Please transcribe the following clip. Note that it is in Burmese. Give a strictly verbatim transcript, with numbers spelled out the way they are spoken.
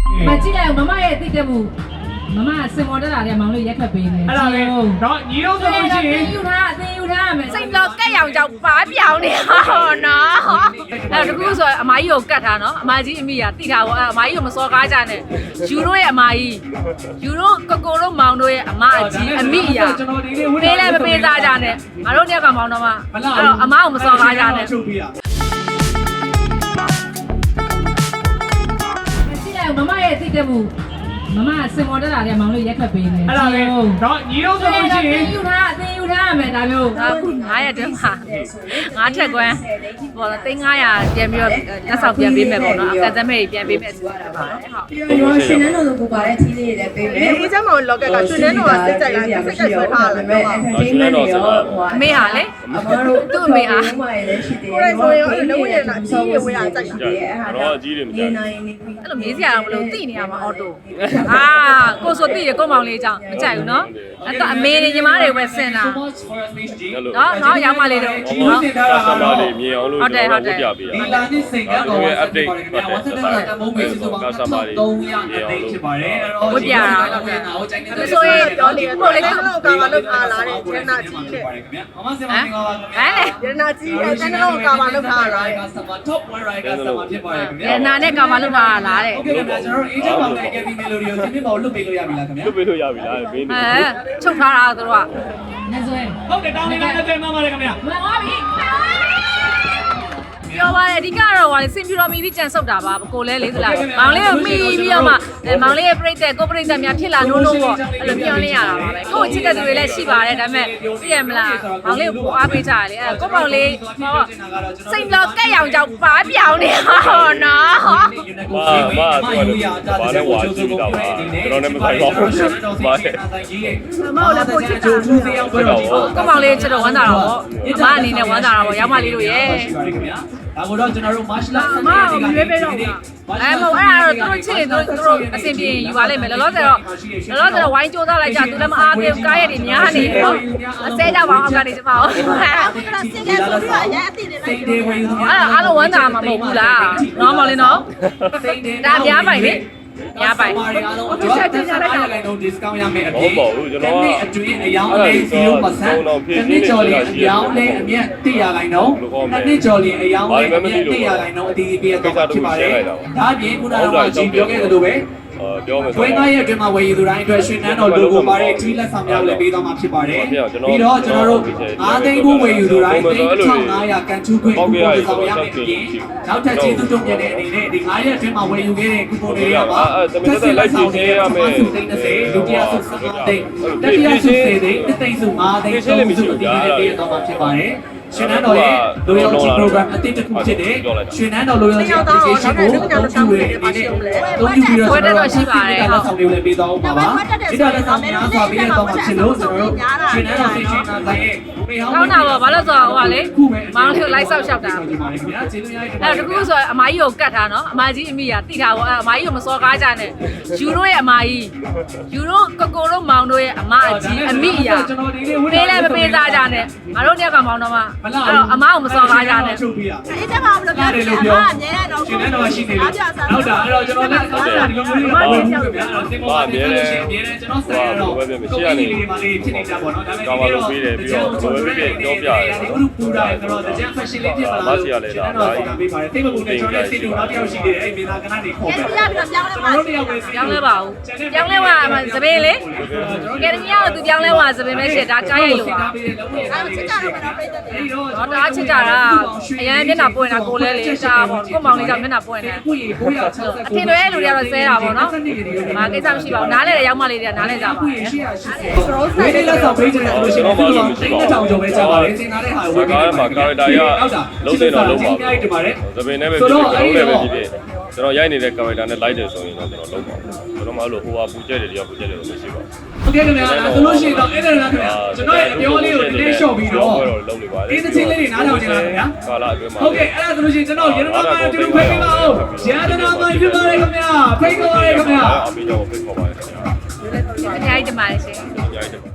မကြည့်လိုက်မမရဲ့တိတက်မှုမမစင်မော်တက်လာတဲ့မောင်လေးရက်ခတ်ပေးနေအဲ့ဒါလေတော့ညီတို့ဆိုလို့ရှိရင်ယူထားအသိယူထားမယ်စိတ်တော့ကက်ရောင်ကြောင့်ပါပြောင်းနေဟောနော်အဲ့တကူဆိုအမကြီးကိုကတ်ထားနော်အမကြီးအမိကတိထားပေါ့အမကြီးကိုမစော်ကားကြနဲ့ယူတို့ရဲ့အမကြီးယူတို့ကိုကိုတို့မောင်တို့ရဲ့အမအကြီးအမိရာပေးလည်းမပေးသားကြနဲ့ငါတို့တယောက်ကမောင်တော့မှအဲ့တော့အမကိုမစော်ကားကြနဲ့မကြည့်လိုက်မမရဲ့တိတက်မှုမမစင်မော်တက်လာတဲ့မောင်လေးရက်ခတ်ပေးနေအဲ့ဒါလေတော့ညီတို့ဆိုလို့ရှိရင်ယူထားအသိယူထားမယ်ဒါမျိုးအခုငါးရက်တည်းမှာငါးထက်ကွန်းပေါ့သိန်းငါးရာပြန်ပြီးတော့လက်ဆောင်ပြန်ပေးမယ်ပေါ့နော်အကန်စမဲကြီးပြန်ပေးမယ်ဆိုတာပါဟုတ်ပြီးတော့ရှင်နန်းတော်လိုပူပါတဲ့ကြီးလေးတွေလည်းပေးမယ်အေးချမ်းမောင်လောက်ကကရှင်နန်းတော်ကစစ်ကြိုက်လိုက်စစ်ကြိုက်ဆွဲထားတယ် entertainment တွေရောဟိုအမေဟာလေအမတို့သူ့အမေဟာဟိုမှာလည်းရှိသေးတယ်ဆိုရင်လုံးဝရတာအကြီးတွေဝေးတာကြိုက်တယ်အဲ့ဒါတော့အကြီးတွေမကြိုက်ဘူးအဲ့လိုမေးစရာတော့မလိုသိနေရမှာအော်တိုအာကိုဆိုသိတယ်ကိုမောင်လေးအကြောင်းမကြိုက်ဘူးနော်အဲ့တော့အမေနဲ့ညီမတွေပဲဆင်တာနော်နော်ရောက်မှလေးတော့နော်ကာစမာလေးမြင်အောင်လို့ကျွန်တော်တို့ပြပေးရအောင်ဒီလာနှစ်စိန်ကတော့ update ပတ်သက်တာတမိုးမေးစုစုပေါင်းကာစမာလေးမြင်အောင်လို့ဖြစ်ပါတယ်အဲ့တော့ဝပြတာသူဆိုရင်ပြောနေတော့လေကတော့ကာမလောက်ထားလာတယ်ကျန်နာကြီးတဲ့မမစင်မင်္ဂလာပါခင်ဗျာဟမ်ကျန်နာကြီးတဲ့ကျန်နာကာမလောက်ထားလာတယ်ကာစမာ top one right ကာစမာဖြစ်ပါတယ်ခင်ဗျာကျန်နာနဲ့ကာမလောက်ထားလာတဲ့โอเคခင်ဗျာကျွန်တော်တို့ agent ပေါင်းတဲ့ Kevin Melody ကိုဒီနေ့ပေါ့လွတ်ပေးလို့ရပြီလားခင်ဗျာလွတ်ပေးလို့ရပြီလားမင်းနေအဲချုပ်ထားတာသူတို့ကနေဆွဲဟုတ်တယ်တောင်းနေတာနဲ့ပြန်มาပါတယ်ခင်ဗျာမဟုတ်ပြီပြောပါအဓိကတော့ဟာစင်ပြတော်မီပြီးကြံဆုပ်တာပါကိုလဲလေးသလားမောင်လေးကိုမိပြီးတော့မှမောင်လေးရဲ့ပြိတ္တကိုပြိတ္တများဖြစ်လာနိုးနိုးပေါ့အဲ့လိုပြောနေရတာပါပဲကိုချစ်တဲ့သူတွေလည်းရှိပါတယ်ဒါပေမဲ့သိရမလားမောင်လေးကိုအားပေးကြတယ်လေအဲ့ကိုမောင်လေးဟောစိတ်တော့ကက်ရောင်ကြောင့်ပါပြောင်းနေဟောနော်မာမာဆိုတော့ဘာလဲဝါကြည့်တာပါကျွန်တော်လည်းမဆိုင်ပါဘူးမာမောင်လည်းကိုချစ်တာကိုမောင်လေးချစ်တော့ဝမ်းသာတာပေါ့အမအနေနဲ့ဝမ်းသာတာပေါ့ရောက်မလေးတို့ရဲ့ဒါကိုတော့ကျွန်တော်တို့ martial arts အမကရွေးပေးတော့ဘူးအဲမဟုတ်အဲ့ဒါတော့သူတို့ချစ်ရင်သူတို့အဆင်ပြေယူပါလိမ့်မယ်လောလောဆယ်တော့လောလောဆယ်တော့ဝိုင်းကြိုးစားလိုက်ကြသူလည်းမအားသေးဘူးကားရည်တွေများနေတော့အစဲကြပါအောင်ကနေကျမအောင်စင်ကဲဆိုပြီးတော့အရင်အတိတွေလိုက်တယ်ဝင်အဲ့အားလုံးဝမ်းသာမှာမဟုတ်ဘူးလားနော်မောင်လေးနော်ဒါအများပိုင်လေရပိုင်ဒီဆက်တင်ရတဲ့ကောင်တော့ discount ရမယ်အပြင်ဟုတ်ပါဘူးကျွန်တော်ကအတွင်းအယောင်းလေး zero percent တစ်နှစ်ကျော်လေးအယောင်းလေးအမြတ်တစ်ရာခိုင်နှုန်းတစ်နှစ်ကျော်လေးအယောင်းလေးအမြတ်တစ်ရာခိုင်နှုန်းအတီးပေးရတော့ဖြစ်ပါတယ်ဒါအပြင်ခုနကတော့ကျွန်တော်ပြောခဲ့သလိုပဲပြောမယ်ဆိုတော့ရဲ့အတွင်းမှာဝယ်ယူသူတိုင်းအတွက်ရှင်နန်းတော် logo ပါတဲ့ tree လက်ဆောင်များလည်းပေးသွားမှာဖြစ်ပါတယ်ပြီးတော့ကျွန်တော်တို့အားသိန်းဖို့ဝယ်ယူသူတိုင်းသိန်းတစ်ထောင်ငါးရာကန်ထူးခွင့်ကိုပို့ဆောင်ရမယ်ပြင်နောက်ထပ်ကျေးဇူးတုံ့ပြန်တဲ့အနေနဲ့ဒီငါးရက်အတွင်းမှာဝယ်ယူခဲ့တဲ့ကူပွန်တွေကပါတစ်ဆက်လိုက်ပြင်ရမယ်သိန်းတစ်ဆယ်ဒုတိယဆုစကားသိန်းတတိယဆုစေသိန်းတစ်သိန်းဆုငါးသိန်းသုံးဆုအတိအကျပေးသွားမှာဖြစ်ပါတယ်ရှင်နန်းတော်ရဲ့ loyalty program အတိတ်တစ်ခုဖြစ်တဲ့ရှင်နန်းတော် loyalty application ကိုအသုံးပြုရတဲ့အနေနဲ့အသုံးပြုပြီးတော့ကျွန်တော်တို့ရှိပါတယ်ဟုတ်ဆောင်လေးလည်းပေးသွားအောင်ပါပါဒီတော့လည်းဆောင်များစွာပေးရတော့မှဖြစ်လို့ကျွန်တော်တို့ရှင်နန်းတော် station နာဆိုင်ရဲ့မေဟောင်းကောင်းတာပေါ့ဘာလို့ဆိုတော့ဟိုကလေမောင်လေးကိုလိုက်ဆောက်ရှောက်တာအဲ့တကူဆိုအမကြီးကိုကတ်ထားနော်အမကြီးအမိကတိထားပေါ့အမကြီးကိုမစော်ကားကြနဲ့ယူတို့ရဲ့အမကြီးယူတို့ကိုကိုတို့မောင်တို့ရဲ့အမအကြီးအမိရာပေးလည်းမပေးသားကြနဲ့ငါတို့တယောက်ကမောင်တော့မှအဲ့တော့အမကိုမစော်ကားကြနဲ့အေးချက်ပါဘလို့ပြောတယ်အမအမြဲတော့ရှင်နန်းတော်ရှိနေတယ်ဟုတ်တာအဲ့တော့ကျွန်တော်လည်းဟုတ်တာဒီလိုမျိုးလေးပါပြောပြပြအဲ့တော့စင်ပေါ်မှာပြောလို့ရှိရင်အမြဲတမ်းကျွန်တော်ဆက်ရတော့ကိုယ်ကြီးလေးပါလေးဖြစ်နေကြပါတော့ဒါပေမဲ့ဒီလိုပြီးတယ်ပြီးတော့ဘယ်လိုပြောပြရဲဒီ group ပူတာဆိုတော့တကြံ fashion လေးဖြစ်ပါလားမဆရာလေးလားဒါကြီးပေးပါတယ်တိတ်မကူနဲ့ကျွန်တော်လည်းစီတူနောက်တစ်ယောက်ရှိနေတယ်အဲ့မေနာကနနေခေါ်ပဲပြောင်းလဲပြောင်းလဲပါကျွန်တော်တို့တယောက်ပဲပြောင်းလဲပါဦးပြောင်းလဲပါသပင်းလေကယ်ဒမီယာကသူပြောင်းလဲပါသပင်းပဲရှစ်ဒါကားရိုက်လို့ပါအဲ့ချစ်ကြတော့ကတော့ပြည့်တယ်တော့ဒါချစ်ကြတာအရင်မျက်နှာပွင့်တာကိုလဲလေရှားပေါ့ကိုမောင်လေးကမျက်နှာပွင့်တယ်အထင်တွေလူတွေကတော့ဆဲတာပေါ့နော်မာကိစ္စမရှိပါဘူးနားလဲတဲ့ရောက်မလေးတွေကနားလဲကြပါဘူးဝေးလေးလက်ဆောင်ပေးကြတယ်လို့ရှိရင်ကျွန်တော်တိတ်တောင်ကျော်ပဲကြားပါတယ်စင်သားတဲ့ဟာဝေးကားမှာကာရက်တာရလုံးတဲ့တော့လုံးပါသပင်းနဲ့ပဲဖြစ်တယ်လုံးလည်းပဲဖြစ်တယ်ကျွန်တော်ရိုက်နေတဲ့ကာရက်တာနဲ့လိုက်တယ်ဆိုရင်တော့ကျွန်တော်လုံးပါကျွန်တော်မှအဲ့လိုဟိုဟာပူကျက်တယ်တရားပူကျက်တယ်လို့မရှိပါဘူးဟုတ်ကဲ့ခင်ဗျာဆိုလို့ရှိရင်တော့အဲ့ဒါလားခင်ဗျာကျွန်တော်ရဲ့အပြောလေးကိုဒီနေ့ရှော့ပြီးတော့ဒီသချင်းလေးတွေနားထောင်ကြလားခင်ဗျာကာလာအတွင်းမှာဟုတ်ကဲ့အဲ့ဒါဆိုလို့ရှိရင်ကျွန်တော်ရတနာမန်တူဖိတ်ပေးပါဦးရတနာမန်ပြပါရခင်ဗျာဖိတ်ပါရခင်ဗျာအမေကြောင့်ဖိတ်ပါပါခင်ဗျာအများကြီးတမန်ရှင်အများကြီး